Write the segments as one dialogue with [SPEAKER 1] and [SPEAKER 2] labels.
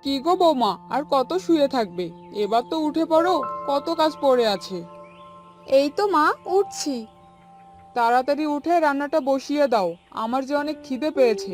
[SPEAKER 1] কি গো বৌমা, আর কত শুয়ে থাকবে? এবার তো উঠে পড়ো, কত কাজ পড়ে আছে।
[SPEAKER 2] এই তো মা, উঠছি।
[SPEAKER 1] তাড়াতাড়ি উঠে রান্নাটা বসিয়ে দাও, আমার যে অনেক খিদে পেয়েছে।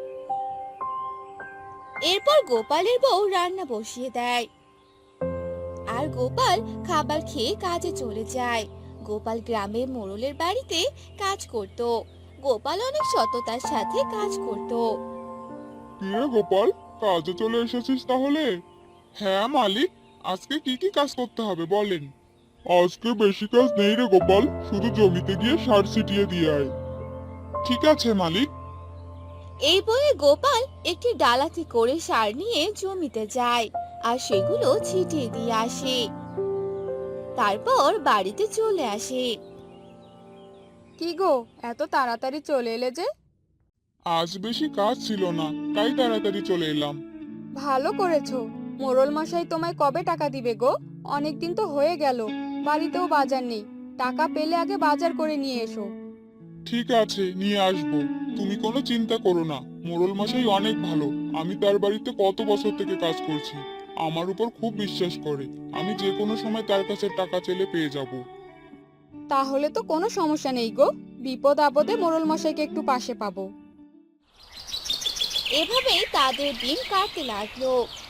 [SPEAKER 3] এরপর গোপালের বউ রান্না বসিয়ে দেয় আর গোপাল খাবার খেয়ে কাজে চলে যায়। গোপাল গ্রামের মোড়লের বাড়িতে কাজ করত। গোপাল অনেক সততার সাথে কাজ করত।
[SPEAKER 4] কি রে গোপাল, কাজে চলে এসেছিস তাহলে? হ্যাঁ মালিক, আজকে কি কি কাজ করতে হবে বলেন। আজকে বেশি কাজ নেই রে গোপাল, শুধু জমিতে গিয়ে সার ছিটিয়ে দিয়ে আয়। ঠিক আছে মালিক।
[SPEAKER 3] এই বলে গোপাল একটি ডালাতে করে সার নিয়ে জমিতে যায় আর সেগুলো ছিটিয়ে দিয়ে আসে। তারপর বাড়িতে চলে আসে।
[SPEAKER 2] কি গো, এত তাড়াতাড়ি চলে এলে যে?
[SPEAKER 4] আজ বেশি কাজ ছিল না, তাই তাড়াতাড়ি চলে এলাম।
[SPEAKER 2] ভালো করেছো। মোড়ল মশাই তোমায় কবে টাকা দিবে গো? অনেক দিন তো হয়ে গেল, বাড়িতেও বাজার নেই। টাকা পেলে আগে বাজার করে নিয়ে এসো।
[SPEAKER 4] ঠিক আছে, নিয়ে আসবো। তুমি কোনো চিন্তা করো না, মোড়ল মশাই অনেক ভালো। আমি তার বাড়িতে কত বছর থেকে কাজ করছি, আমার উপর খুব বিশ্বাস করে। আমি যে কোনো সময় তার কাছে টাকা চেলে পেয়ে যাব।
[SPEAKER 2] তাহলে তো কোনো সমস্যা নেই গো, বিপদ আপদে মোড়ল মশাইকে একটু পাশে পাবো।
[SPEAKER 3] এভাবেই তাদের দিন কাটতে লাগলো।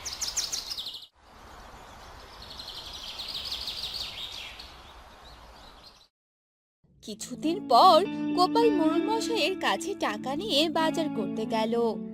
[SPEAKER 3] কিছুদিন পর গোপাল মোড়ল মশাইয়ের কাছে টাকা নিয়ে বাজার করতে গেল।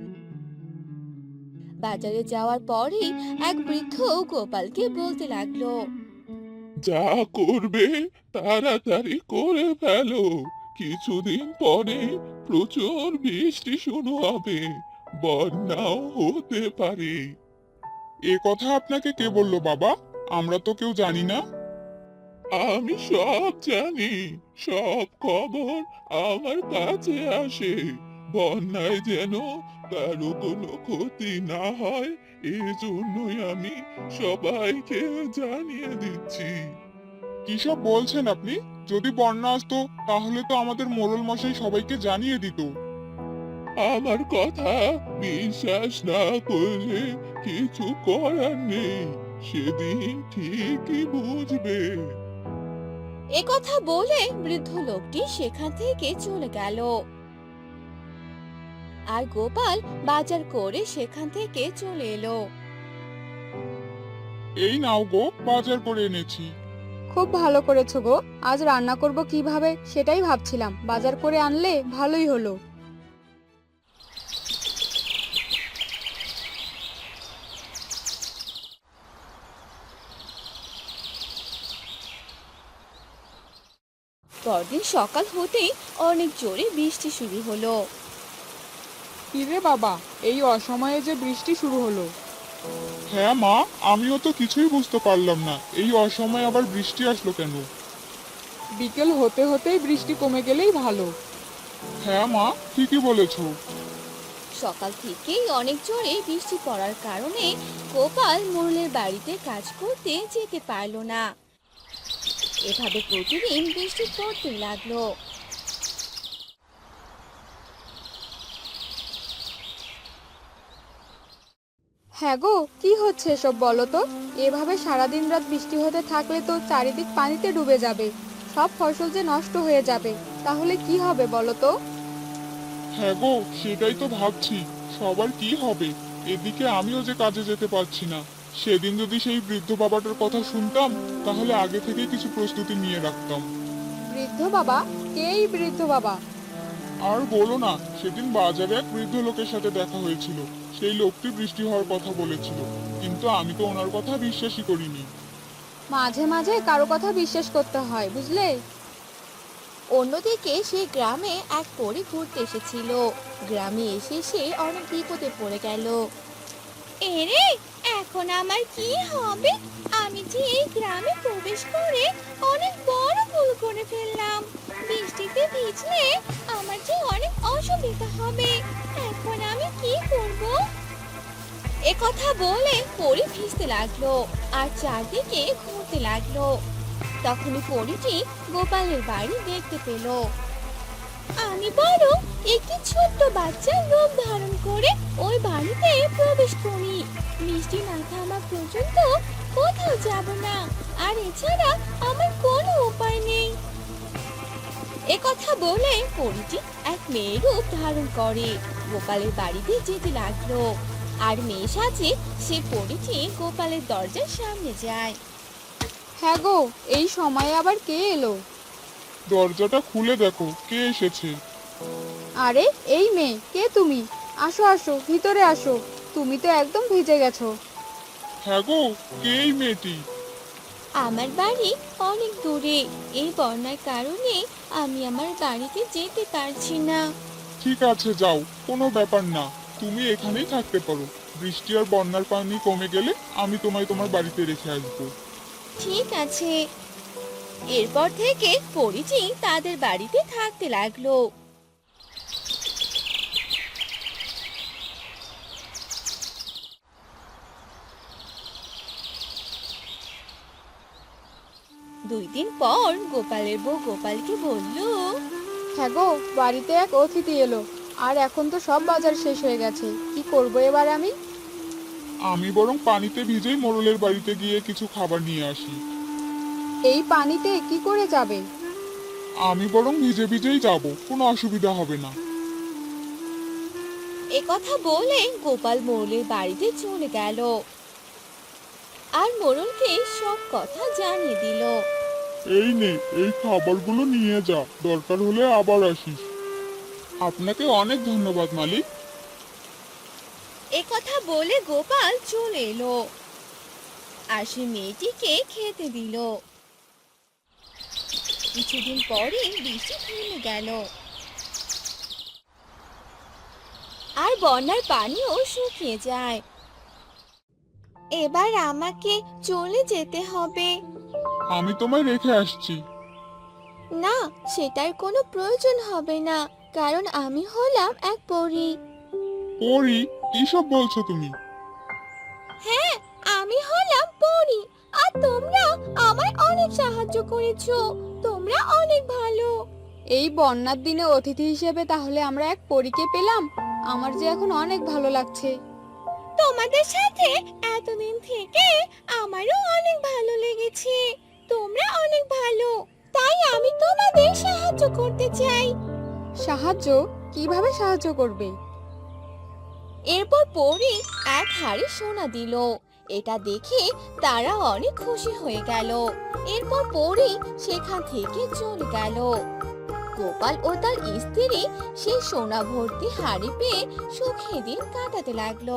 [SPEAKER 3] বাজারে যাওয়ার পরই এক বৃদ্ধ গোপালকে বলতে লাগলো।
[SPEAKER 4] যা করবে তাড়াতাড়ি করে ফেলো, কিছুদিন পরে প্রচুর বৃষ্টি শুরু হবে, বন্যাও হতে পারে। এ কথা আপনাকে কে বললো বাবা? আমরা তো কেউ জানি না। আমি সব জানি, সব খবর আমার কাছে আসে। বন্যায় যেন কারো কোনো ক্ষতি না হয়, এজন্যই আমি সবাইকে জানিয়ে দিচ্ছি। কিসব বলছেন আপনি? যদি বন্যা আসতো তাহলে তো আমাদের মোড়ল মশাই সবাইকে জানিয়ে দিত। আমার কথা বিশ্বাস না করলে কিছু করার নেই, সেদিন ঠিকই বুঝবে।
[SPEAKER 3] এ কথা বলে বৃদ্ধ লোকটি সেখান থেকে চলে গেল। আর গোপাল বাজার করে সেখান থেকে চলে এলো।
[SPEAKER 4] এই নাও গো, বাজার করে এনেছি।
[SPEAKER 2] খুব ভালো করেছো গো। আজ রান্না করব কিভাবে সেটাই ভাবছিলাম, বাজার করে আনলে ভালোই হলো।
[SPEAKER 3] পরদিন সকাল হতেই অনেক জোরে বৃষ্টি শুরু হলো।
[SPEAKER 1] কিরে বাবা, এই অসময়ে যে বৃষ্টি শুরু হলো!
[SPEAKER 4] হ্যাঁ মা, আমিও তো কিছুই বুঝতে পারলাম না, এই অসময়ে আবার বৃষ্টি আসলো কেন।
[SPEAKER 1] বিকেল হতে হতেই বৃষ্টি কমে গেলেই ভালো।
[SPEAKER 4] হ্যাঁ মা, ঠিকই বলেছো।
[SPEAKER 3] সকাল থেকেই অনেক জোরে বৃষ্টি পড়ার কারণে গোপাল মোড়লের বাড়িতে কাজ করতে যেতে পারলো না। এভাবে প্রতিদিন বৃষ্টি পড়তে লাগলো।
[SPEAKER 2] হ্যাঁ গো, কি হচ্ছে এসব বলো তো? এভাবে সারাদিন রাত বৃষ্টি হতে থাকলে তো চারিদিক পানিতে ডুবে যাবে, সব ফসল যে নষ্ট হয়ে যাবে। তাহলে কি হবে বলো তো?
[SPEAKER 4] হ্যাঁ গো, সেটাই তো ভাবছি, সবার কি হবে। এদিকে আমিও যে কাজে যেতে পারছি না। সেদিন যদি সেই বৃদ্ধ বাবাটার কথা শুনতাম, তাহলে আগে থেকে কিছু প্রস্তুতি নিয়ে রাখতাম।
[SPEAKER 2] বৃদ্ধ বাবা? কে এই বৃদ্ধ বাবা?
[SPEAKER 4] আর বলো না, সেদিন বাজারে এক বৃদ্ধ লোকের সাথে দেখা হয়েছিল। সেই লোকটি বৃষ্টি হওয়ার কথা বলেছিল, কিন্তু আমি তো ওনার কথা বিশ্বাসই করিনি।
[SPEAKER 2] মাঝে মাঝে কারো কথা বিশ্বাস করতে হয়, বুঝলে?
[SPEAKER 3] অন্যদিকে সে গ্রামে এক পরী ঘুরতে এসেছিল। গ্রামে এসে সে অনেক বিপদে পড়ে গেল। এরে, এখন আমার কি হবে? আমি যে এই গ্রামে প্রবেশ করে অনেক বড় ভুল করে ফেললাম। বৃষ্টিতে ভিজলে আমার যে অনেক অসুবিধা হবে। এখন আমি কি করব? এ কথা বলে পরী ভিজতে লাগলো আর চারদিকে ঘুরতে লাগলো। তখনই পরীটি গোপালের বাড়ি দেখতে পেল। আমি বরং একটি ছোট্ট বাচ্চার রূপ ধারণ করে ওই বাড়িতে প্রবেশ করি। বৃষ্টি না থামা পর্যন্ত কোথাও যাব না, আর এছাড়া আমার কোনো উপায় নেই। এ কথা বলে পরীটি এক মেয়ের রূপ ধারণ করে গোপালের বাড়িতে যেতে লাগলো। আর মেয়ে সাজে সে পরীটি গোপালের দরজার সামনে যায়।
[SPEAKER 2] হ্যাঁ গো, এই সময়ে আবার কে এলো?
[SPEAKER 4] দরজাটা খুলে দেখো কে এসেছে।
[SPEAKER 2] আরে এই মেয়ে, কে তুমি? আসো আসো, ভিতরে আসো। তুমি তো একদম ভিজে গেছো।
[SPEAKER 4] হ্যাঁ গো, কে এই মেয়েটি?
[SPEAKER 3] আমার বাড়ি অনেক দূরে, এই বন্যার কারণে আমি আমার বাড়িতে যেতে পারছি না।
[SPEAKER 4] ঠিক আছে যাও, কোনো ব্যাপার না, তুমি এখানেই থাকতে পারো। বৃষ্টি আর বন্যার পানি কমে গেলে আমি তোমায় তোমার বাড়িতে রেখে আসবো।
[SPEAKER 3] ঠিক আছে। এরপর থেকে পরিচি তাদের বাড়িতে থাকতে লাগলো। দুই দিন পর গোপালের বউ গোপালকে বলল,
[SPEAKER 2] হ্যাঁ গো, বাড়িতে এক অতিথি এলো, আর এখন তো সব বাজার শেষ হয়ে গেছে। কি করবো এবার আমি?
[SPEAKER 4] আমি বরং পানিতে ভিজেই মোড়লের বাড়িতে গিয়ে কিছু খাবার নিয়ে আসি।
[SPEAKER 2] এই পানিতে কি করে যাবে?
[SPEAKER 4] আমি বরং ভিজে ভিজেই যাব, কোনো অসুবিধা হবে না।
[SPEAKER 3] এ কথা বলে গোপাল মোড়লের বাড়িতে চলে গেল আর মোড়লকে সব কথা জানিয়ে দিল।
[SPEAKER 4] এই নে, এই খাবারগুলো নিয়ে যা, দরকার হলে আবার আসিস। আপনাকে অনেক ধন্যবাদ মালিক।
[SPEAKER 3] এ কথা বলে গোপাল চলে এলো আর সে মেয়েটিকে খেতে দিল। কিছুদিন পরে বৃষ্টি থেমে গেল আর বন্যার পানিও শুকিয়ে যায়। এবার আমাকে চলে যেতে হবে।
[SPEAKER 4] আমি তোমায় রেখে আসছি।
[SPEAKER 3] না, সেটার কোনো প্রয়োজন হবে না, কারণ আমি হলাম এক পরী।
[SPEAKER 4] পরি, কিসব বলছো তুমি?
[SPEAKER 3] হ্যাঁ, আমি হলাম পরী, আর তোমরা আমায় অনেক সাহায্য করেছো। তোমরা অনেক ভালো।
[SPEAKER 2] এই বন্যার দিনে অতিথি হিসেবে তাহলে আমরা এক পরীকে পেলাম। আমার যে এখন অনেক ভালো লাগছে।
[SPEAKER 3] তোমাদের সাথে এতদিন থেকে আমারও অনেক ভালো লেগেছে। তোমরা অনেক ভালো, তাই আমি তোমাদের সাহায্য করতে চাই।
[SPEAKER 2] সাহায্য? কিভাবে সাহায্য করবে?
[SPEAKER 3] এরপর পরী এক হাড়ি সোনা দিল। এটা দেখে তারা অনেক খুশি হয়ে গেল। এরপর পরী সেখান থেকে চলে গেল। গোপাল ও তার স্ত্রী সেই সোনা ভর্তি হাড়ি পেয়ে সুখে দিন কাটাতে লাগলো।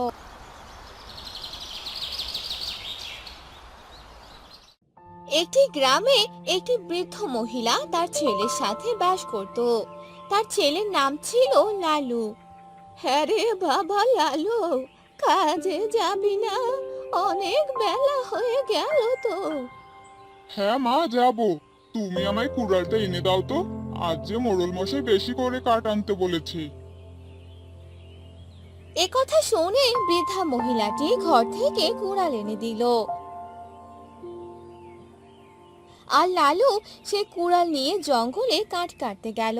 [SPEAKER 3] একটি গ্রামে একটি বৃদ্ধ মহিলা তার ছেলের সাথে বাস করত। তার ছেলের নাম ছিল লালু। হ্যাঁ রে বাবা লালু, কাজে যাবি না? অনেক বেলা হয়ে গেল তো।
[SPEAKER 4] হ্যাঁ মা, যাব। তুমি আমায় কুড়ালটা এনে দাও তো, আজ যে মোড়ল মশাই বেশি করে কাঠ আনতে বলেছে।
[SPEAKER 3] এ কথা শুনে বৃদ্ধা মহিলাটি ঘর থেকে কুড়াল এনে দিল আর লালু সে কুড়াল নিয়ে জঙ্গলে কাঠ কাটতে গেল।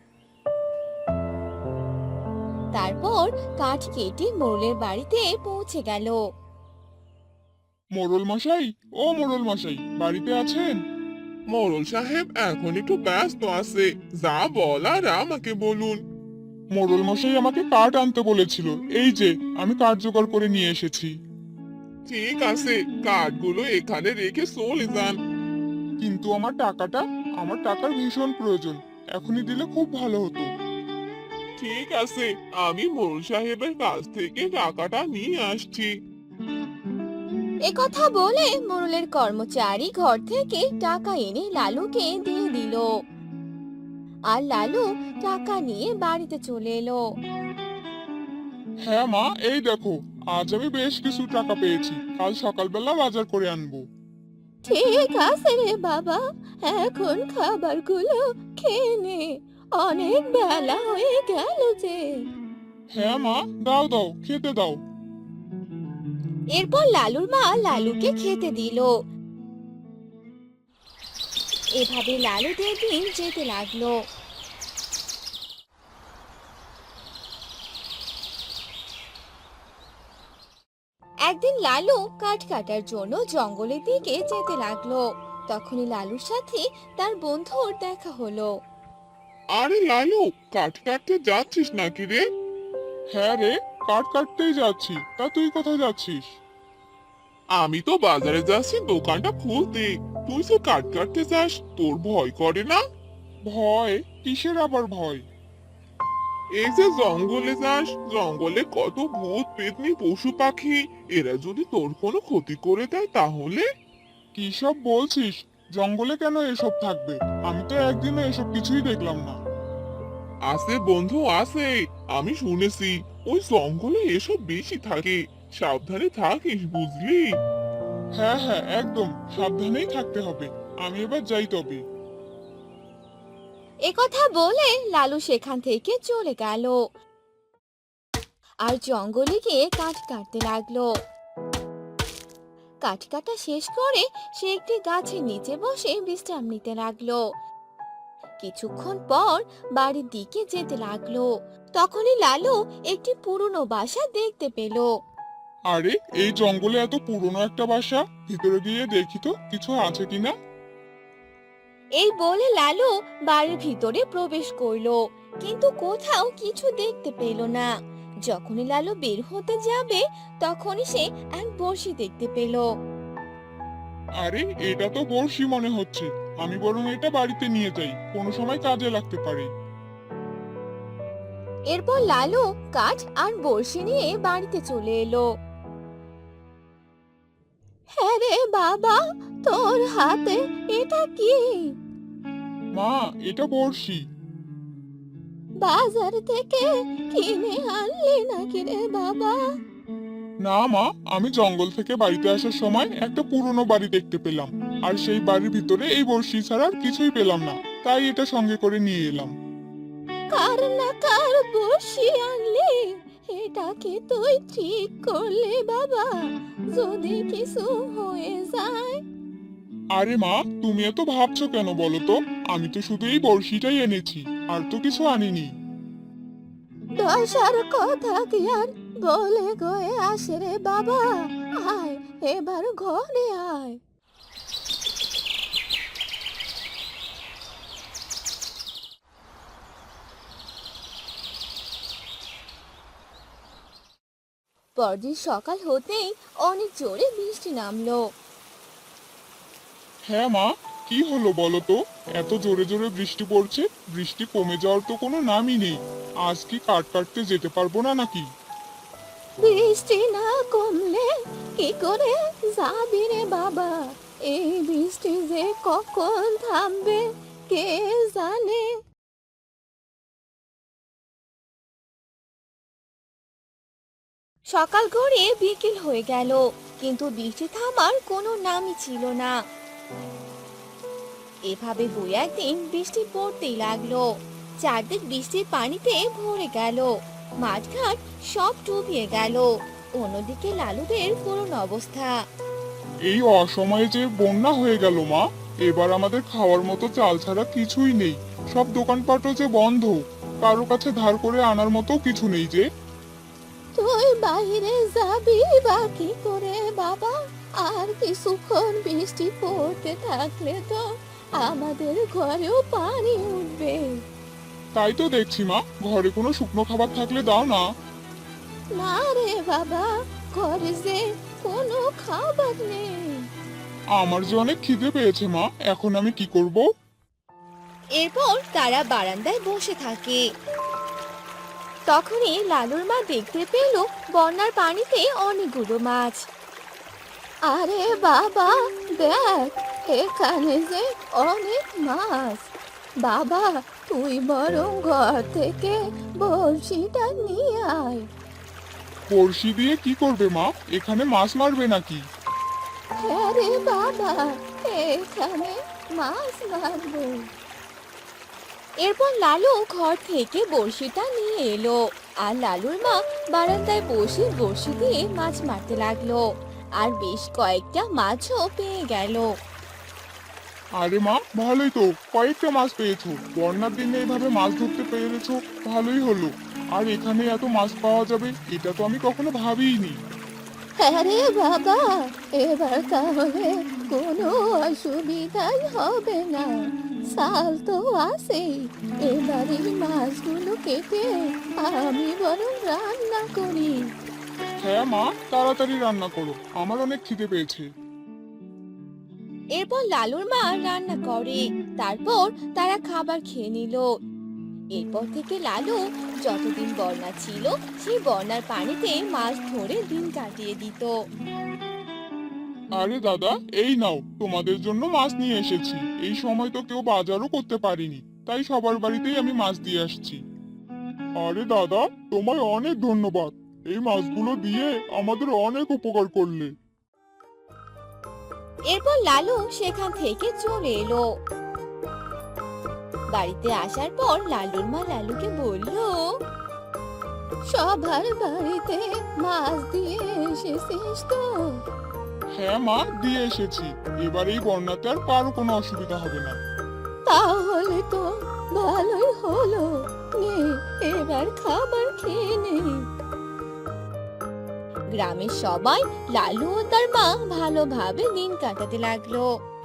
[SPEAKER 3] তারপর কাঠ কেটে মোড়লের বাড়িতে পৌঁছে গেল।
[SPEAKER 4] মোড়ল মশাই, ও মোড়ল মশাই, বাড়িতে আছেন? মোড়ল সাহেব এখন একটু ব্যস্ত আছে, যা বলার আমাকে বলুন। মোড়ল মশাই আমাকে কাঠ আনতে বলেছিল, এই যে আমি কাঠ জোগাড় করে নিয়ে এসেছি। ঠিক আছে, কাঠগুলো এখানে রেখে চলে যান। কিন্তু আমার টাকাটা, আমার টাকার ভীষণ প্রয়োজন, এখনই দিলে খুব ভালো হতো। ঠিক আছে, আমি মোড়ল সাহেবের কাছ থেকে টাকাটা নিয়ে আসছি।
[SPEAKER 3] এ কথা বলে মোড়লের কর্মচারী ঘর থেকে টাকা এনে লালুকে দিয়ে দিল আর লালু টাকা নিয়ে বাড়িতে চলে এলো।
[SPEAKER 4] হ্যাঁ মা, এই দেখো, আজ আমি বেশ কিছু টাকা পেয়েছি, কাল সকালবেলা বাজার করে আনবো।
[SPEAKER 3] ঠিক আছে রে বাবা, এখন খাবারগুলো খেয়ে নে, অনেক বেলা হয়ে গেল যে।
[SPEAKER 4] হ্যাঁ মা, দাও দাও, খেতে দাও।
[SPEAKER 3] এরপর লালুর মা লালুকে খেতে দিল। এভাবে লালুদের দিন যেতে লাগলো। লালু কাঠ কাটার জন্য জঙ্গলের দিকে যেতে লাগলো। তখনই লালুর সাথে তার বন্ধুর দেখা হলো।
[SPEAKER 4] আরে লালু, কাঠ কাটতে যাচ্ছিস নাকি রে? হ্যাঁ রে, কাঠ কাটতেই যাচ্ছি। তা তুই কোথায় যাচ্ছিস? আমি তো বাজারে যাচ্ছি দোকানটা খুলতে। তুই যে কাঠ কাটতে যাস, তোর ভয় করে না? ভয়? কিসের আবার ভয়? এই যে জঙ্গলে যাস, জঙ্গলে কত ভূত পেতনি পশু পাখি, এরা যদি তোর কোনো ক্ষতি করে দেয় তাহলে? কি সব বলছিস? জঙ্গলে কেন এসব থাকবে? আমি তো একদিনও এসব কিছুই দেখলাম না। আছে বন্ধু আছে, আমি শুনেছি ওই জঙ্গলে এসব বেশি থাকে। সাবধানে থাকিস, বুঝলি? হ্যাঁ হ্যাঁ, একদম সাবধানেই থাকতে হবে। আমি এবার যাই তবে।
[SPEAKER 3] একথা বলে লালু সেখান থেকে চলে গেল আর জঙ্গলে গিয়ে কাঠ কাটতে লাগলো। কাঠ কাটা শেষ করে সে একটি গাছের নিচে বসে বিশ্রাম নিতে লাগলো। কিছুক্ষণ পর বাড়ির দিকে যেতে লাগলো। তখনই লালু একটি পুরনো বাসা দেখতে পেল।
[SPEAKER 4] আরে, এই জঙ্গলে এত পুরনো একটা বাসা, ভিতরে গিয়ে দেখি তো কিছু আছে কিনা।
[SPEAKER 3] এই বলে লালু বাড়ির ভিতরে প্রবেশ করলো, কিন্তু কোথাও কিছু দেখতে পেল না। যখনই লালু বের হতে যাবে তখনই সে এক বড়শি দেখতে পেল।
[SPEAKER 4] আরে, এটা তো বড়শি মনে হচ্ছে। আমি বরং এটা বাড়িতে নিয়ে যাই, কোনো সময় কাজে লাগতে পারে।
[SPEAKER 3] এরপর লালু কাঠ আর বড়শি নিয়ে বাড়িতে চলে এলো। হ্যাঁ রে বাবা, তোর হাতে এটা কি?
[SPEAKER 4] মা, এটা বড়শি।
[SPEAKER 3] বাজার থেকে কিনে আনলি নাকি রে বাবা?
[SPEAKER 4] না মা, আমি জঙ্গল থেকে বাড়িতে আসার সময় একটা পুরনো বাড়ি দেখতে পেলাম, আর সেই বাড়ির ভিতরে এই বড়শি ছাড়া আর কিছুই পেলাম না, তাই এটা সঙ্গে করে নিয়ে এলাম।
[SPEAKER 3] কার না কার বসি আনলি, এটা কি তুই ঠিক করলি বাবা? যদি কিছু হয়ে যায়?
[SPEAKER 4] আরে মা, তুমি এত ভাবছো কেন বলো তো? আমি তো শুধু এই বড়শিটাই এনেছি, আর তো কিছু আনিনি।
[SPEAKER 3] দশার কথা কি আর বলে গয়ে আসে রে বাবা? আয় এবার ঘরে আয়। পরদিন সকাল হতেই অনেক জোরে বৃষ্টি নামলো।
[SPEAKER 4] হ্যাঁ মা, কি হলো বলো তো? এত জোরে জোরে বৃষ্টি পড়ছে, বৃষ্টি কমে যাওয়ার তো কোনো নামই নেই। আজ কি কাঠ কাটতে যেতে পারবো না নাকি?
[SPEAKER 3] বৃষ্টি না কমলে কি করে যাবি রে বাবা? এই বৃষ্টি যে কখন থামবে কে জানে। সকাল গড়িয়ে বিকেল হয়ে গেল, কিন্তু বৃষ্টি থামার কোনো নামই ছিল না। এভাবে দুই একদিন বৃষ্টি পড়তেই লাগলো। চারদিক বৃষ্টির পানিতে ভরে গেল, মাঠঘাট সব ডুবিয়ে গেল। অন্যদিকে লালুদের করুণ অবস্থা।
[SPEAKER 4] এই অসময়ে যে বন্যা হয়ে গেল মা, এবার আমাদের খাওয়ার মতো চাল ছাড়া কিছুই নেই। সব দোকানপাটও যে বন্ধ, কারো কাছে ধার করে আনার মতো কিছু নেই যে।
[SPEAKER 3] তুই বাইরে যাবি বা কি করে বাবা? আর কিছুক্ষণ বৃষ্টি পড়তে থাকলে তো আমাদের ঘরেও পানি উঠবে।
[SPEAKER 4] তাই তো দেখছি মা, ঘরে কোনো শুকনো খাবার থাকলে দাও না।
[SPEAKER 3] না রে বাবা, ঘরে যে কোনো খাবার নেই।
[SPEAKER 4] আমার যে অনেক খিদে পেয়েছে মা, এখন আমি কি করব?
[SPEAKER 3] এরপর তারা বারান্দায় বসে থাকে। তখনই লালুর মা দেখতে পেল বন্যার পানিতে অনেকগুলো মাছ। আরে বাবা, দেখ এখানে যে অনেক মাছ। বাবা, তুই বরং ঘর থেকে বড়শিটা নিয়ে আয়।
[SPEAKER 4] বড়শি দিয়ে কি করবে মা? এখানে মাছ মারবে নাকি?
[SPEAKER 3] হ্যাঁ রে বাবা, এখানে মাছ মারবো। এরপর লালু ঘর থেকে বড়শিটা নিয়ে এলো, আর লালুর মা বারান্দায় বসে বড়শি দিয়ে মাছ মারতে লাগলো, আর বেশ কয়েকটা মাছও পেয়ে গেল।
[SPEAKER 4] আরে মা, ভালোই তো, কয়েকটা মাছ পেয়েছো। বন্যার দিনে এভাবে মাছ ধরতে পেরেছো, ভালোই হলো। আর এখানে এত মাছ পাওয়া যাবে এটা তো আমি কখনো ভাবিইনি।
[SPEAKER 3] হ্যাঁ রে বাবা, এবার তাহলে কোনো অসুবিধাই হবে না। সাল তো আছেই, এবার এই মাছগুলো কেটে আমি বরং রান্না করি।
[SPEAKER 5] হ্যাঁ মা, তাড়াতাড়ি রান্না করো, আমার অনেক খিদে পেয়েছে।
[SPEAKER 3] এরপর লালুর মা রান্না করে, তারপর তারা খাবার খেয়ে নিল। এরপর থেকে লালু যতদিন বন্যা ছিল সেই বন্যার পানিতে মাছ ধরে দিন কাটিয়ে দিত।
[SPEAKER 5] আরে দাদা, এই নাও, তোমাদের জন্য মাছ নিয়ে এসেছি। এই সময় তো কেউ বাজারও করতে পারিনি, তাই সবার বাড়িতেই আমি মাছ দিয়ে আসছি। আরে দাদা, তোমায় অনেক ধন্যবাদ, এই মাছগুলো দিয়ে আমাদের অনেক উপকার করলে।
[SPEAKER 3] এরপর লালু সেখান থেকে চলে এলো। বাড়িতে আসার পর লালুর মা লালুকে বলল, সবার বাড়িতে মাছ দিয়ে এসেছিস তো?
[SPEAKER 5] হ্যাঁ মা, দিয়ে এসেছি। এবার এই বন্যাতে আর কারো কোনো অসুবিধা হবে না।
[SPEAKER 3] তাহলে তো ভালোই হলো, নে এবার খাবার খেয়ে নে। গ্রামের সবাই লালু ও তার মা ভালোভাবে দিন কাটাতে লাগলো।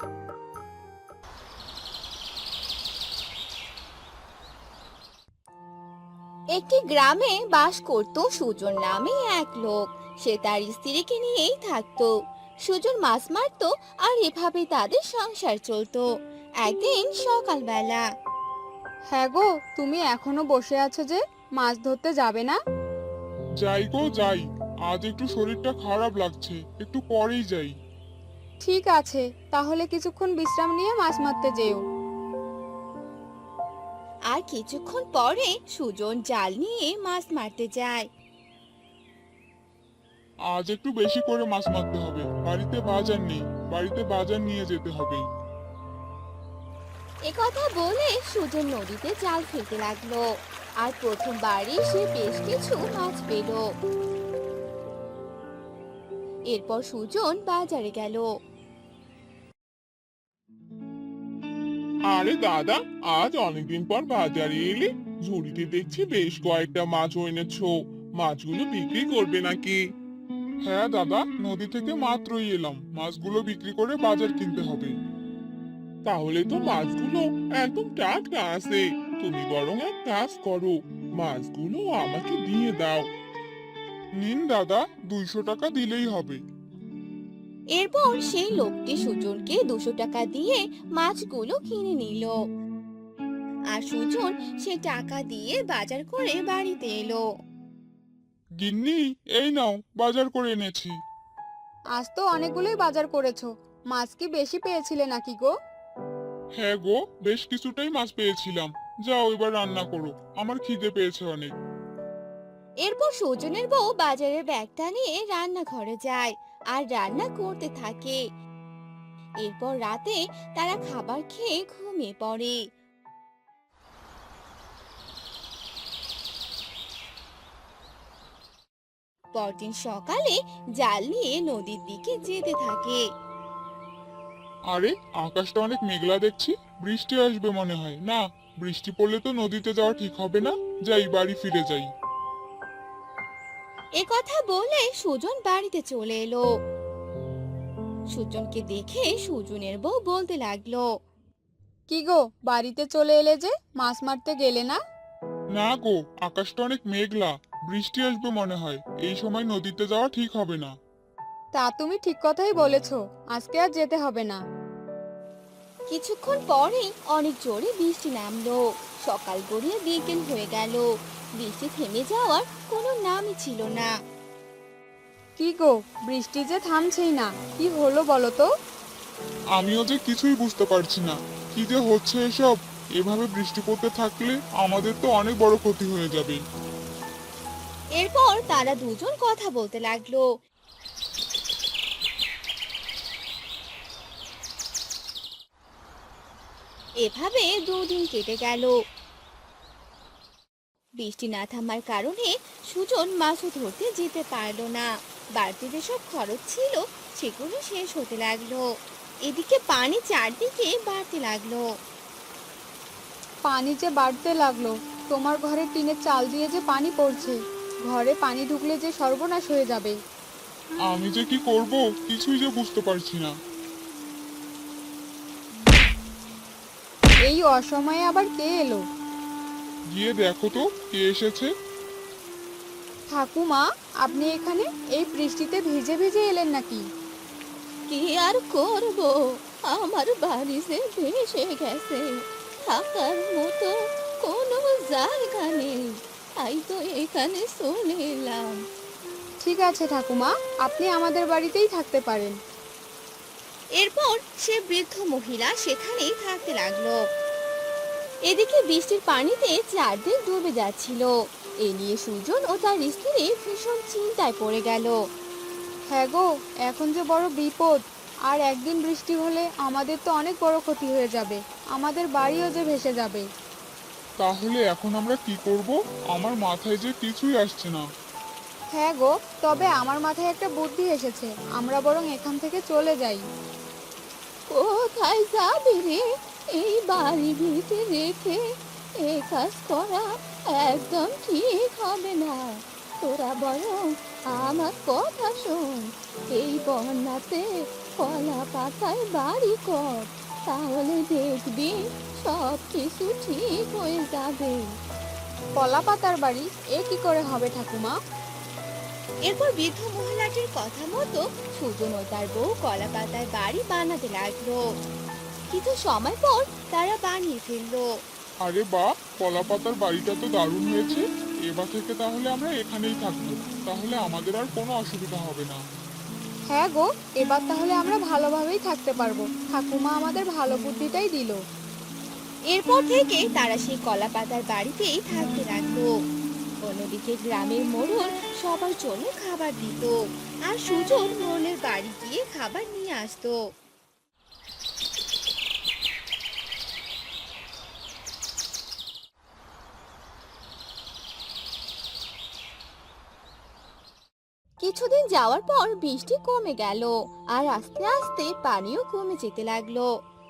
[SPEAKER 3] একটি গ্রামে বাস করত সুজন নামে এক লোক। সে তার স্ত্রীকে নিয়েই থাকতো। সুজন মাছ মারতো আর এভাবে তাদের সংসার চলতো। একদিন সকালবেলা,
[SPEAKER 2] হ্যাঁ গো, তুমি এখনো বসে আছো যে, মাছ ধরতে যাবে না?
[SPEAKER 5] যাই গো যাই, আজ একটু শরীরটা খারাপ লাগছে, একটু পরেই যাই।
[SPEAKER 2] ঠিক আছে, তাহলে কিছুক্ষণ বিশ্রাম নিয়ে মাছ মারতে যেও।
[SPEAKER 3] আর কিছুক্ষণ পরে সুজন জাল নিয়ে মাছ মারতে যায়।
[SPEAKER 5] আজ একটু বেশি করে মাছ মারতে হবে, বাড়িতে বাজার নেই, বাড়িতে বাজার নিয়ে যেতে হবে।
[SPEAKER 3] একথা বলে সুজন নদীতে জাল ফেলতে লাগলো। আর প্রথমবারই সে বেশ কিছু মাছ পেল। এরপর সুজন বাজারে গেল।
[SPEAKER 4] আরে দাদা, আজ অনেকদিন পর বাজারে এলে, ঝুড়িতে দেখছি বেশ কয়েকটা মাছ এনেছো। মাছগুলো বিক্রি করবে নাকি?
[SPEAKER 5] হ্যাঁ দাদা, নদী থেকে মাত্রই এলাম, মাছগুলো বিক্রি করে বাজার কিনতে হবে।
[SPEAKER 4] তাহলে তো মাছগুলো একদম টাটকা আছে। তুমি বরং এক কাজ করো, মাছগুলো আমাকে দিয়ে দাও।
[SPEAKER 5] নিন দাদা, 200 টাকা দিলেই হবে।
[SPEAKER 3] এরপর সেই লোকটি সুজনকে 200 টাকা দিয়ে মাছগুলো কিনে নিল। আর সুজন সে টাকা দিয়ে বাজার করে বাড়িতে এলো।
[SPEAKER 5] গিন্নি, এই নাও, বাজার করে এনেছি।
[SPEAKER 2] আজ তো অনেকগুলোই বাজার করেছো, মাছ কি বেশি পেয়েছিলে নাকি গো?
[SPEAKER 5] হ্যাঁ গো, বেশ কিছুটাই মাছ পেয়েছিলাম। যাও এবার রান্না করো, আমার খিদে পেয়েছে অনেক।
[SPEAKER 3] এরপর সুজনের বউ বাজারের ব্যাগটা নিয়ে রান্নাঘরে যায় আর রান্না করতে থাকে। এরপর রাতে তারা খাবার খেয়ে ঘুমিয়ে পড়ে। পরদিন সকালে জাল নিয়ে নদীর দিকে যেতে থাকে।
[SPEAKER 5] আরে, আকাশটা অনেক মেঘলা দেখছি, বৃষ্টি আসবে মনে হয়। না, বৃষ্টি পড়লে তো নদীতে যাওয়া ঠিক হবে না। যাই, বাড়ি ফিরে যাই।
[SPEAKER 3] একথা বলে সুজন বাড়িতে চলে এলো। সুজনকে দেখে সুজনের বউ বলতে লাগলো,
[SPEAKER 2] কি গো, বাড়িতে চলে এলে যে, মাছ মারতে গেলে না?
[SPEAKER 5] না গো, আকাশটা অনেক মেঘলা, বৃষ্টি আসবে মনে হয়। এই সময় নদীতে যাওয়া ঠিক হবে না।
[SPEAKER 2] তা তুমি ঠিক কথাই বলেছো, আজকে আর যেতে হবে না।
[SPEAKER 3] কিছুক্ষণ পরেই অনেক জোরে বৃষ্টি নামলো। সকাল গড়িয়ে বিকেল হয়ে গেল, বৃষ্টি থেমে যাওয়ার কোনো নামই ছিল না।
[SPEAKER 2] কি গো, বৃষ্টি যে থামছেই না, কি হলো বলো তো?
[SPEAKER 5] আমিও যে কিছুই বুঝতে পারছি না, কি যে হচ্ছে এসব। এভাবে বৃষ্টি পড়তে থাকলে আমাদের তো অনেক বড় ক্ষতি হয়ে যাবে।
[SPEAKER 3] এরপর তারা দুজন কথা বলতে লাগলো। এভাবে দুদিন কেটে গেল। বৃষ্টি না থামার কারণে সুজন মাছও ধরতে যেতে পারলো না। বাড়তি যেসব খরচ ছিল সেগুলো শেষ হতে লাগলো। এদিকে পানি চারদিকে বাড়তে লাগলো।
[SPEAKER 2] পানি যে বাড়তে লাগলো, তোমার ঘরে টিনের চাল দিয়ে যে পানি পড়ছে, ঘরে পানি ঢুকলে যে সর্বনাশ হয়ে যাবে।
[SPEAKER 5] আমি যে কি করব কিছুই যে বুঝতে পারছি না।
[SPEAKER 2] এই অসময়ে আবার কে এলো?
[SPEAKER 5] গিয়ে দেখো তো কে এসেছে।
[SPEAKER 2] ঠাকুমা, আপনি এখানে এই বৃষ্টিতে ভিজে ভিজে এলেন নাকি?
[SPEAKER 3] কি আর করব, আমার বাড়ি যে ভেসে গেছে, থাকার মতো কোনো জায়গা নেই, তাই তো এখানে চলে এলাম।
[SPEAKER 2] ঠিক আছে ঠাকুমা, আপনি আমাদের বাড়িতেই থাকতে পারেন।
[SPEAKER 3] এরপর সে বৃদ্ধ মহিলা সেখানেই থাকতে লাগলো। এদিকে বৃষ্টির পানিতে চারদিক ডুবে যাচ্ছিল। এ নিয়ে সুজন ও তার স্ত্রী ভীষণ চিন্তায় পড়ে গেল।
[SPEAKER 2] হ্যাঁ গো, এখন যে বড় বিপদ। আর একদিন বৃষ্টি হলে আমাদের তো অনেক বড় ক্ষতি হয়ে যাবে, আমাদের বাড়িও যে ভেসে যাবে।
[SPEAKER 5] তাহলে এখন আমরা কি করব? আমার মাথায় যে কিছুই আসছে না।
[SPEAKER 2] হ্যাঁ গো, তবে আমার মাথায় একটা বুদ্ধি এসেছে, আমরা বরং এখান থেকে চলে যাই।
[SPEAKER 3] কোথায় যাবি রে? এই বাড়ি ভিতরে রেখে এ কাজ করা একদম ঠিক হবে না। তোরা বরং আমার কথা শোন, এই বন্যাতে কলা পাতায় বাড়ি কর, তাহলে দেখবি সব কিছু ঠিক হয়ে যাবে।
[SPEAKER 2] কলা পাতার বাড়ি? এ কি করে হবে ঠাকুমা?
[SPEAKER 3] এরপর বৃদ্ধ মহিলাটির কথা মতো সুজন ও তার বউ কলা পাতায় বাড়ি বানাতে লাগলো। কিছু সময় পর তারা বানিয়ে ফেললো।
[SPEAKER 5] আরে বাহ, কলা পাতার বাড়িটা তো দারুণ হয়েছে। এবার থেকে তাহলে আমরা এখানেই থাকবো, তাহলে আমাদের আর কোনো অসুবিধা হবে না।
[SPEAKER 2] হ্যাঁ গো, এবার তাহলে আমরা ভালোভাবেই থাকতে পারবো, ঠাকুমা আমাদের ভালো বুদ্ধিটাই দিল।
[SPEAKER 3] এরপর থেকে তারা সেই কলা পাতার বাড়িতেই থাকতে লাগলো। অন্যদিকে গ্রামের মোড়ল সবার জন্য খাবার দিত, আর সুজন মোড়লের বাড়ি গিয়ে খাবার নিয়ে আসতো। কিছুদিন যাওয়ার পর বৃষ্টি কমে গেল, আর আস্তে আস্তে পানিও কমে যেতে লাগলো।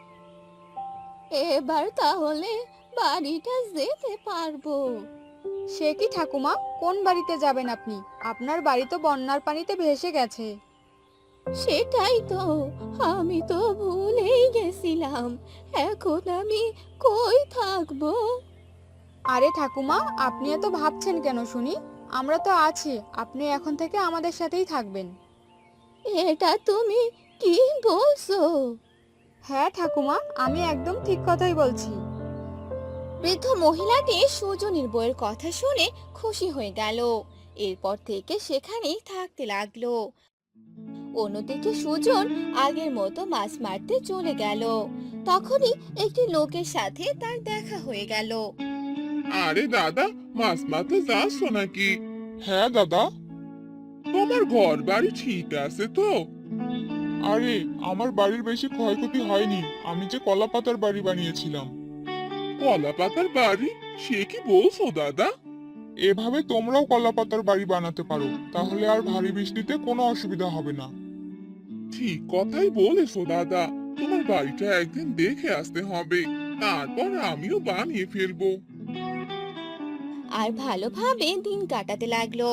[SPEAKER 3] এবার তাহলে বাড়িটা যেতে পারবো।
[SPEAKER 2] সে কি ঠাকুমা, কোন বাড়িতে যাবেন আপনি? আপনার বাড়ি তো বন্যার পানিতে ভেসে গেছে।
[SPEAKER 3] সেটাই তো, আমি তো ভুলেই গেছিলাম। এখন আমি কই থাকবো?
[SPEAKER 2] আরে ঠাকুমা, আপনি এত ভাবছেন কেন শুনি? আমরা তো আছি, আপনি এখন থেকে আমাদের সাথেই থাকবেন।
[SPEAKER 3] এটা তুমি কি বলছো?
[SPEAKER 2] হ্যাঁ ঠাকুমা, আমি একদম ঠিক কথাই বলছি।
[SPEAKER 3] বৃদ্ধ মহিলাটি সুজনের বউয়ের কথা শুনে খুশি হয়ে গেল। এরপর থেকে সেখানেই থাকতে লাগলো। অন্যদিকে সুজন আগের মতো মাছ মারতে চলে গেল। তখনই একটি লোকের সাথে তার দেখা হয়ে গেল।
[SPEAKER 4] আরে দাদা, মাছ মারতে যাচ্ছ নাকি?
[SPEAKER 5] হ্যাঁ দাদা।
[SPEAKER 4] তোমার ঘর বাড়ি ঠিক আছে তো?
[SPEAKER 5] আরে আমার বাড়ির বেশি ক্ষয়ক্ষতি হয়নি, আমি যে কলা পাতার বাড়ি বানিয়েছিলাম।
[SPEAKER 4] কলা পাতার বাড়ি? সে কি বলছো দাদা?
[SPEAKER 5] এভাবে তোমরাও কলা পাতার বাড়ি বানাতে পারো, তাহলে আর ভারী বৃষ্টিতে কোনো অসুবিধা হবে না।
[SPEAKER 4] ঠিক কথাই বলেছো দাদা, তোমার বাড়িটা একদিন দেখে আসতে হবে, তারপর আমিও বানিয়ে ফেলবো।
[SPEAKER 3] আর ভালোভাবে দিন কাটাতে লাগলো।